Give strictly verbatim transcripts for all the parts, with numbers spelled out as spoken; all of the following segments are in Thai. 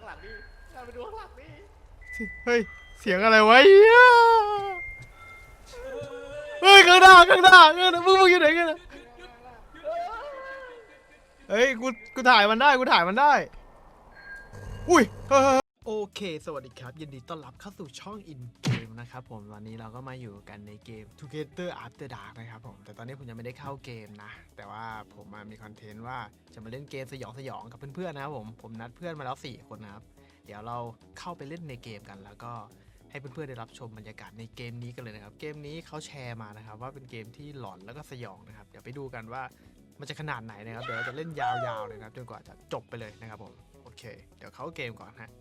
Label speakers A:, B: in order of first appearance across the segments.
A: างหลังดิหันไปดูข้างหลังดิ
B: เฮ้ยเสียงอะไรวะเฮ้ยข้างหน้าข้างหน้าข้างหน้ามึงมึงอยู่ไหนกันเฮ้ยกูกูถ่ายมันได้กูถ่ายมันได้อุ้ยโอเคสวัสดีครับยินดีต้อนรับเข้าสู่ช่อง In Game นะครับผมวันนี้เราก็มาอยู่กันในเกม Together After Dark นะครับผมแต่ตอนนี้ผมยังไม่ได้เข้าเกมนะแต่ว่าผมมามีคอนเทนต์ว่าจะมาเล่นเกมสยองสยองกับเพื่อนๆนะครับผมผมนัดเพื่อนมาแล้วสี่คนนะครับเดี๋ยวเราเข้าไปเล่นในเกมกันแล้วก็ให้เพื่อนๆได้รับชมบรรยากาศในเกมนี้กันเลยนะครับเกมนี้เขาแชร์มานะครับว่าเป็นเกมที่หลอนแล้วก็สยองนะครับเดี๋ยวไปดูกันว่ามันจะขนาดไหนนะครับเดี๋ยวเราจะเล่นยาวๆเลยนะครับจนกว่าจะจบไปเลยนะครับผมโอเคเดี๋ยวเข้าเกมก่อนฮะ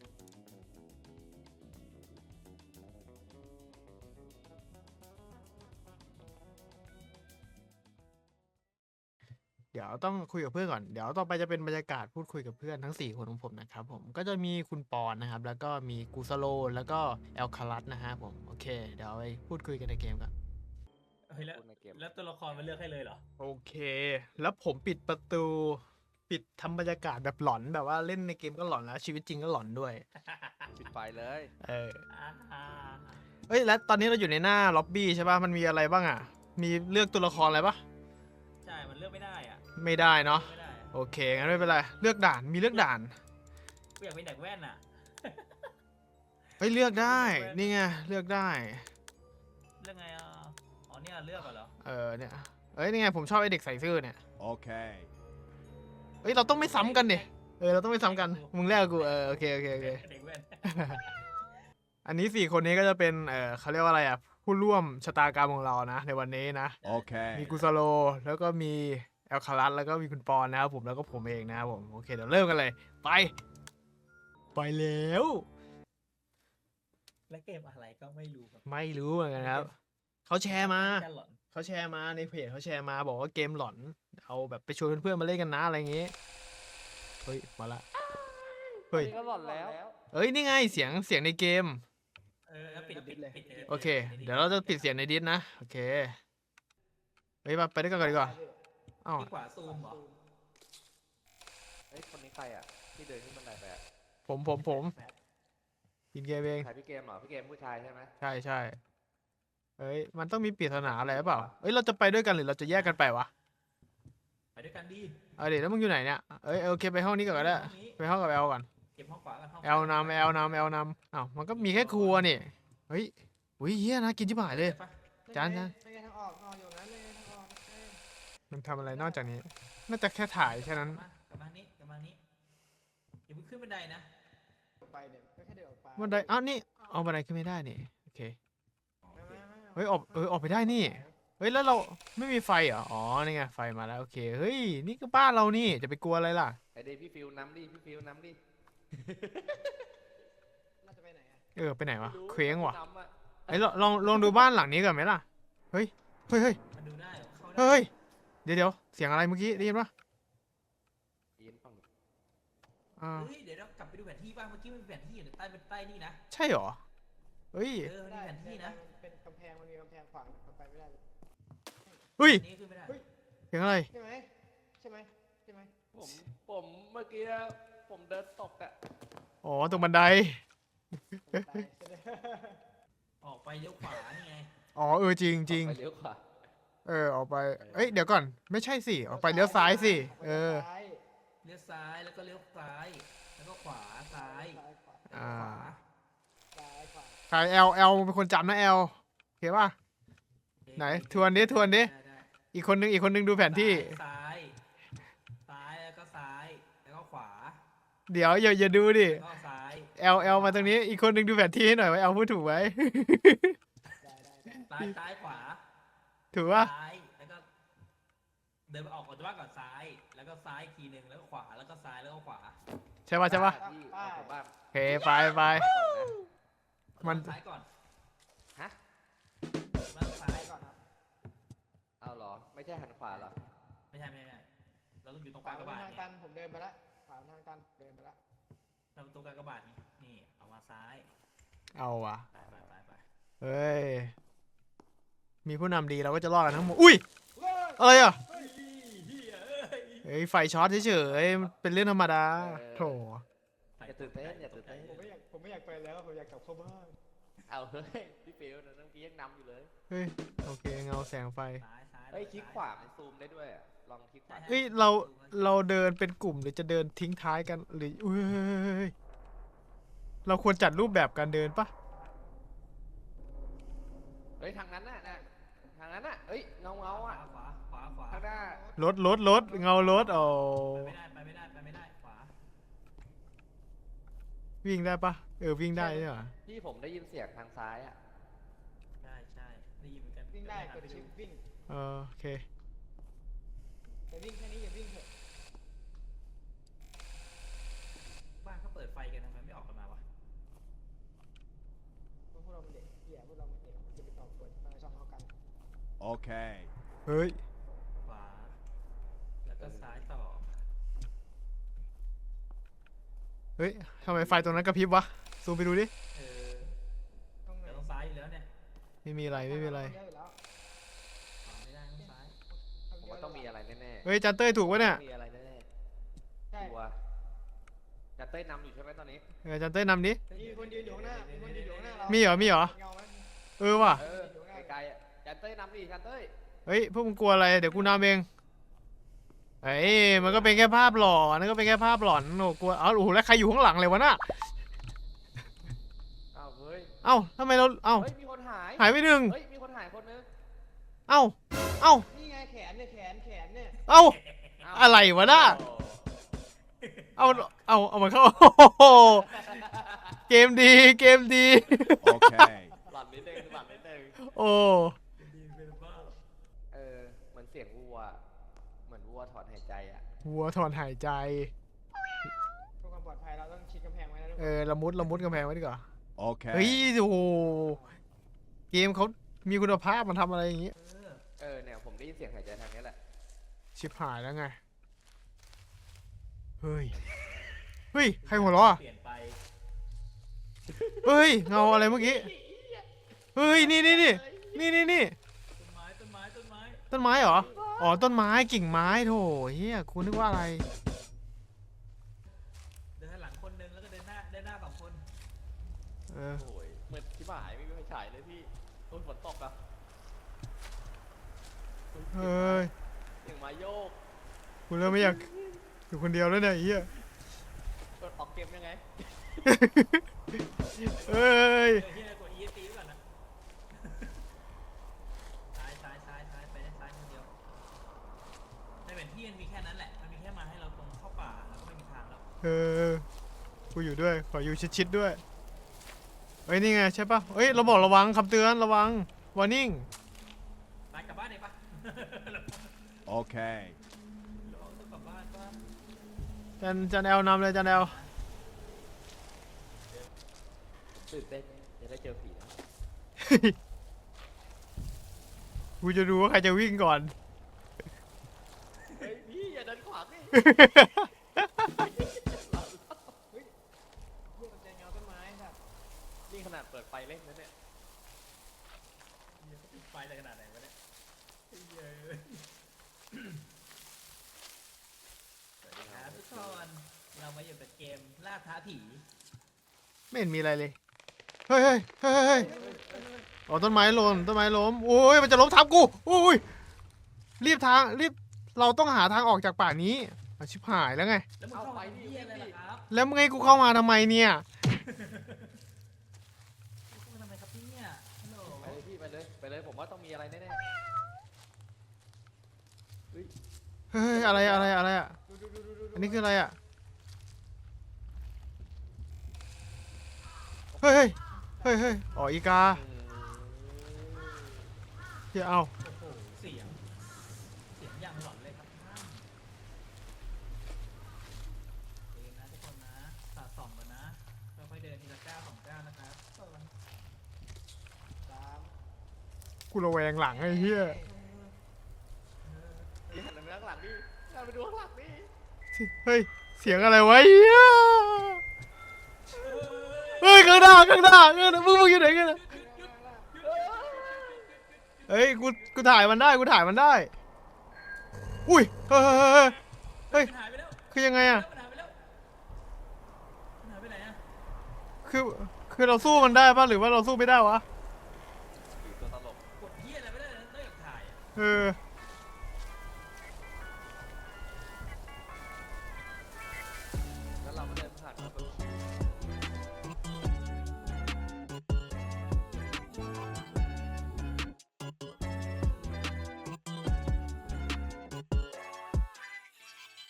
B: เดี๋ยวต้องคุยกับเพื่อนก่อนเดี๋ยวต่อไปจะเป็นบรรยากาศพูดคุยกับเพื่อนทั้งสี่คนของผมนะครับผมก็จะมีคุณปอนนะครับแล้วก็มีกูสโลแล้วก็แอลคารัสนะฮะผมโอเคเดี๋ยวไปพูดคุยกันในเกมกัน
C: เฮ้ยแล้วแล้วตัวละครมันเลือกให้เลยเหรอ
B: โอเคแล้วผมปิดประตูปิดทำบรรยากาศแบบหลอนแบบว่าเล่นในเกมก็หลอนแล้วชีวิตจริงก็หลอนด้วย
A: ปิดไฟเลย
B: เออเฮ้ยแล้วตอนนี้เราอยู่ในหน้าล็อบบี้ใช่ป่ะมันมีอะไรบ้างอ่ะมีเลือกตัวละครอะไรป่ะ
C: ใช่มันเลือกไม่ได้อ่ะ
B: ไม่ได้เนาะโอเคงั้นไม่เป็นไรเลือกด่านมีเลือกด่าน
C: กูอยากเป็นเด็กแว่นอ่ะ
B: เฮ้ยเลือกได้นี่ไงเลือกได้
C: เลือกไงอ่ะอ๋อเนี่ยเลือกเหรอ
B: เออเนี่ยเอ้ยนี่ไงผมชอบไอเด็กใส่เสื้อเนี่ย
A: โอเค
B: เฮ้ยเราต้องไม่ซ้ำกันดิเออเราต้องไม่ซ้ำกันมึงแรกกูเออโอเคโอเคโอเค
C: เด็กแว่น
B: อันนี้สี่คนนี้ก็จะเป็นเออเขาเรียกว่าอะไรอ่ะผู้ร่วมชะตากรรมของเรานะในวันนี้นะ
A: โอเค
B: มีกุสโลแล้วก็มีแอลคารัสแล้วก็มีคุณปอนนะครับผมแล้วก็ผมเองนะครับผมโอเคเดี๋ยวเริ่มกันเลยไปไปแล้ว
C: และเกมอะไรก็ไม่รู้
B: ไม่รู้เหมือนกันครับเขาแชร์มาเขาแชร์มาในเพจเขาแชร์มาบอกว่าเกมหลอนเอาแบบไปชวนเพื่อนๆมาเล่นกันนะอะไรอย่างงี้เฮ้ยมาละเฮ้ย
A: ก็หลอนแล้ว
B: เอ้ยนี่ไงเสียงเสียงในเกม
C: เออแล้วปิดปิดเลย
B: โอเคเดี๋ยวเราจะปิดเสียงในดิสนะโอเคเฮ้ยมาไปด้วยกันก่อนดีกว่า
C: อ้าวขวาซูมเหรอ
A: เฮ้ยคนนี้ใครอ่ะที่เดินขึ้นบันไดไปอ่ะ
B: ผมผมผมกินเกมเอง
A: ใครพี่เกมเหรอพี่เกมผู้ชายใช่ไหม
B: ใช่ใช่เฮ้ยมันต้องมีปริศนาอะไรหรือเปล่าเฮ้ยเราจะไปด้วยกันหรือเราจะแยกกันไปวะ
C: ไปด้วยกันดี
B: เอาเดี๋ยวแล้วมึงอยู่ไหนเนี่ยเอ้ยโอเคไปห้องนี้ก่อนก็ได้ไปห้องกับแอลก่อน
C: เก็บห้องขวากัน
B: แอลนำแอลนำแอลนำอ้าวมันก็มีแค่ครัวนี่เฮ้ยอุ้ยเฮียนะกินชิบหายเลยจานจานมันทำอะไรนอกจากนี้น่าจะแค่ถ่ายแค่นั้น
C: กลับมานี้กลับมานี้อย่าเพิ่งขึ้นบันไดนะ
A: ไปเนี่ยก็แค่เดินออกไป
B: บันไดอ้าวนี่เอาบันไดขึ้นไม่ได้นี่โอเคเฮ้ยออกเออออกไปได้นี่เฮ้ยแล้วเราไม่มีไฟเหรออ๋อนี่ไงไฟมาแล้วโอเคเฮ้ยนี่ก็บ้านเรานี่จะไปกลัวอะไรล่ะ
A: ไอเดย์พี่ฟิวน้ำดิพี่ฟิวน้ำดิ
B: เราจะไปไหนอะเออไปไหนวะเคว้งว่ะไอ้ลองลองดูบ้านหลังนี้ก่อนไหมล่ะเฮ้ยเฮ้ยเฮ้ยเฮ้ยเดี๋ยวเดี๋ยวเสียงอะไรเมื่อกี้ได้ยินปะ
A: ยินฟัง
C: อ่าเฮ้ยเดี๋ยวเรากลับไปดูแผนที่บ้างเมื่อกี้มันเป็นแผนที่อยู่ใต้เป็นใต้นี่นะ
B: ใช่หรอเฮ้ย
C: เออมีแผนที่นะ
A: เป็นกำแพงมันมีกำแพงขวางมันไปไม่ได้
B: เฮ้ยเสียงอะไร
A: ใช่ไหมใช่ไหมใช่ไหมผมผมเมื่อกี้ผมเดินตกอะ
B: อ๋อตรงบันได
C: ออกไปเลี้ยวขวานี่ไง
B: อ๋อเออจริงจริง
A: เลี้ยวขวา
B: เออออกไปเอ้ยเดี๋ยวก่อนไม่ใช่สิออกไปเลี้ยวซ้ายสิเออ
C: เลี้ยวซ้ายแล้วก็เลี้ยวซ้ายแล้วก็ขวาซ้าย
B: อ่าใครแอลแอลเป็นคนจำนะแอลโอเคป่ะไหนทวนดิทวนดิอีกคนนึงอีกคนนึงดูแผนที่
C: ซ้ายซ้ายแล้วก็ซ้ายแล้วก็ขวา
B: เดี๋ยวอย่าอย่าดูดิ
C: ซ้าย
B: แอลแอลมาตรงนี้อีกคนนึงดูแผนที่ให้หน่อยว่าแอลพูดถูกไหม
C: ซ้ายซ้ายขวา
B: ถูกป่ะ
C: ซ้ายแล้วก็เดินไปออกก่อนจะว่าก่อนซ้ายแล้วก็ซ้ายทีนึงแล้วก็ขวาแล้วก็ซ้ายแล้วก็ขวา
B: ใช่ป่ะใช่ป่ะโอเคไปไป
C: มันซ้ายก่อน
A: ฮะ
C: มาซ้ายก่อนครับ
A: เอาเหรอไม่ใช่หันขวาเหรอ
C: ไม่ใช่ไม่ใช่เราต้องอยู่ตรงกลางกระบาด
A: เนี่ยผมเดินไปแล้วขวาทางกันเดินไปแล้ว
C: เราตรงกลางกระบาดนี่นี่เอามาซ้าย
B: เอาวะ
C: ไปไปไปไป
B: เฮ้ยมีผู้นำดีเราก็จะรอดกันทั้งหมดอุ้ยอะไรอ่ะเฮ้ยไฟช็อตเฉยๆเป็นเรื่องธรรมดาโถ
A: จะาตื่นเต้นอย่าตื่นเต้น
D: ผมไม่อยากผมไม่อยากไปแล้วผมอยากกลับเข้าบ้าน
A: เอาเฮ้ยพี่ฟิวนะน้องกี้ยังนำอยู่เลย
B: เฮ้ยโอเคเงาแสงไฟ
C: ซ้ายซ้าย
A: เฮ้ยคลิกขวามันซูมได้ด้วยอะลองคลิกขวา
B: เฮ้ยเราเราเดินเป็นกลุ่มหรือจะเดินทิ้งท้ายกันหรืออุ้ยเราควรจัดรูปแบบการเดินปะ
A: เฮ้ยทางนั้นน่ะนะทางนั้นน่ะเฮ้ยเงาเงา
C: ขวา
A: อ่ะ
C: ขวาขวาขวา
A: ข้างหน้าร
B: ถรถรถเงารถโอ้
C: ไปไม่ได้ไปไม่ได้ไปไม่ได้ขวา
B: วิ่งได้ปะเออวิ่งได้ใช่ไหม
A: พี่ผมได้ยินเสียงทางซ้ายอ่ะ
C: ใช่ใช่ได้ยินเหมือนกัน
D: วิ่งได้กด
C: ป
D: ชิปวิ่ง
B: เออโอเค
D: แต่วิ่งแค่นี้อย่าวิ่งเถอะ
C: บ้านเขาเปิดไฟกันทำไมไม่ออกกันมาวะ
D: พวกเราเป็นเด็กเหี้ยพวกเราเป็นเด็กจะไปต่อกดมาช่องเขากัน
E: Okay.
B: เฮ้ย
C: ขวาแล้วก็ซ้ายต่อ
B: เฮ้ยทำไมไฟตรงนั้นกระพริบวะซูมไปดูดิ
C: เออ
D: ต้องไหน
C: แต่ต้องซ้ายอยู่แล้วเนี่ย
B: ไม่มีอะไรไม่มีอะไร
D: เยอะอยู่แล้ว
C: ขวาไม่ได้ต้องซ้าย
A: ผมว่าต้องมีอะไรแน่ๆ
B: เฮ้ยจันเต้ยถูกปะเนี่ย
A: มีอะไรแน่
D: ใช่
A: ๆตัวจะเต้ยนำอยู่ใช่ไหมตอนนี้
B: เออจันเต้ยนำดิ
D: มีคนยืนอยู่ข้างหน้ามีคนยืนอยู่ข้างหน้าเรา
B: มี
D: มี
B: เหรอมีเหรอ
D: เงาไหม
B: เออว่ะ
A: เออไกลๆอ่ะจันเต้ยนำดิจันเต้ย
B: เฮ้ยพวกมึงกลัวอะไรเดี๋ยวกูนำเองเฮ้ยมันก็เป็นแค่ภาพหลอนนั่นก็เป็นแค่ภาพหลอนโอ้กลัวเอ้าโอ้โหแล้วใครอยู่ข้างหลังเลยวะน่ะ
A: อ้าวเฮ้ย
B: เอ้าทำไมเราเอ้า
A: เฮ้ยมีคนหาย
B: หายไปหนึ่ง
A: เฮ้ยมีคนหายคนนึง
B: เอ้าเอ้า
D: นี่ไงแขนเนี่ยแขนแขนเนี่ย
B: เอ้า
A: อ้าว
B: อะไรวะน่ะ
A: โอ้
B: เอาเอาเอามันเข้า โอ้โหเกมดีเกมดี
E: Okay.
A: หลับนิดนึงหลับนิดนึง
B: โอ้
C: ดีเป็นบ้า
A: เออเหมือนเสียงวัวเหมือนวัวถอนหายใจอ่ะ
B: วัวถอนหายใจ
D: เพื่อความปลอดภัยเราต้องชิดกำแพงไว้นะทุก
B: เอ
D: คน
B: อละมุดละมุดกำแพงไว้ดีกว่า
E: Okay.
B: เฮ้ยโอ้โหเกมเขามีคุณภาพมันทำอะไรอย่างงี้
C: เออ
A: เออเนี่ยผมได้ยินเสียงหายใจทางนี้แหละ
B: ชิบหายแล้วไงเฮ้ยเฮ้ยใครหัวเราะอะ
C: เปลี่ยนไป
B: เฮ้ยเงาอะไรเมื่อกี้เฮ้ยนี่นี่นี่นี่นี่นี่
C: ต้นไม้ต้นไม้ต้นไม้
B: ต้นไม้เหรออ๋อต้นไม้กิ่งไม้โถเฮียคุณนึกว่าอะไร
C: เดินข้างหลังคนหนึงแล้วก็เดินหน้าเดินหน้าสองคน
B: เออ
A: โอ้ยเหมือนที่หายไม่มีไฟฉายเลยพี่โอ้ยฝนตกอ่ะ
B: เฮ้ย
A: เสียงไม้โยก
B: กูเริ่มไม่อยากอยู่คนเดียวแล้วเนี่ยไอ้เฮีย
A: กดออกเกมยังไง
B: เอ้ย
C: เออที่ไหนกด อี เอส ซี ไว้ก่อนนะ ซ้ายซ้ายซ้ายซ้ายไปได้ซ้ายคนเดียวในแผนที่มันมีแค่นั้นแหละ มันมีแค่มาให้เราตรงเข้าป่าแล้วก็ไม่มีทางแล้ว
B: เออกูอยู่ด้วยขออยู่ชิดๆด้วยเฮ้ยนี่ไงใช่ปะเฮ้ยเราบอกระวังคำเตือนระวัง warning
C: ไปกลับบ้านเลยปะ
E: Okay.
C: เราต้องกลับบ้านปะ
B: จันจันแอลนำเลยจันแอล
A: ตื่นเต้นจะได้เจอผีนะ
B: กูจะดูว่าใครจะวิ่งก่อน
A: เฮ้ยพี่อย่าเดินขวางดิ
D: เพื่อสนใจเงาต้นไม้ครับ
A: นี่ขนาดเปิดไฟเล่นนะเนี่ย
C: เหี้ยปิดไฟอะไรขนาดไหนวะเนี่ยเหี้ยสวัสดีครับทุกคนเรามาอยู่กับเกมล่าท้าผี
B: ไม่เห็นมีอะไรเลย เฮ้ยเฮ้ยเฮ้ยเฮ้ยอ๋อต้นไม้หล่นต้นไม้ล้มโอ้ยมันจะล้มทับกูโอ้ยรีบทางรีบเราต้องหาทางออกจากป่านี้อ่ะชิบหายแล้วไง
C: แล้วมึงเข้ามาทำเหี้ยอะไรล่ะครับ
B: แล้วมึงให้กูเข้ามาทำไมเนี่ย
C: เข้ามาทำไมครับเนี่ยฮัลโหล
A: ไปเลยพี่ไปเลยไปเลยผมว่าต้องมีอะไรแน่
B: เฮ้ยอะไรอะไรอะไรอ่ะ
D: ดูดูดูดูดู
B: อันนี้คืออะไรอ่ะเฮ้ยเฮ้ยเฮ้ยเฮ้ยอ๋ออีกา
A: ๆอืม
B: เดี๋ยวเอา
C: โอ้โหเสียง เสียงอย่างหลอนเลยครับท่านเดินนะทุกคนนะสะสมกันนะค่อยๆเดินทีละก้าวสองก้าวนะครับเออ
D: สาม
B: กูระแวงหลังไอ้เหี้ย
A: พี่หันไปข้างหลังดิหันไปดูข้างหลังดิ
B: เฮ้ยเสียงอะไรวะเหี้ยเฮ้ยข้างหน้าข้างหน้าข้างหน้ามึงมึงอยู่ไหนกันน่ะเฮ้ยกูกูถ่ายมันได้กูถ่ายมันได้อุ้ยเฮ้ยเฮ้ยเฮ้ยเฮ้ย
C: มันหายไปแล้ว
B: คือยังไงอะ
C: มันหายไปแล้วมันหายไปไหนอะ
B: คือคือเราสู้มันได้ปะหรือว่าเราสู้ไม่ได้วะ
A: อยู่ตัวตลก
C: กดเหี้ยอะไรไม่ได้เลยนอกจากถ่ายอะ
B: เออ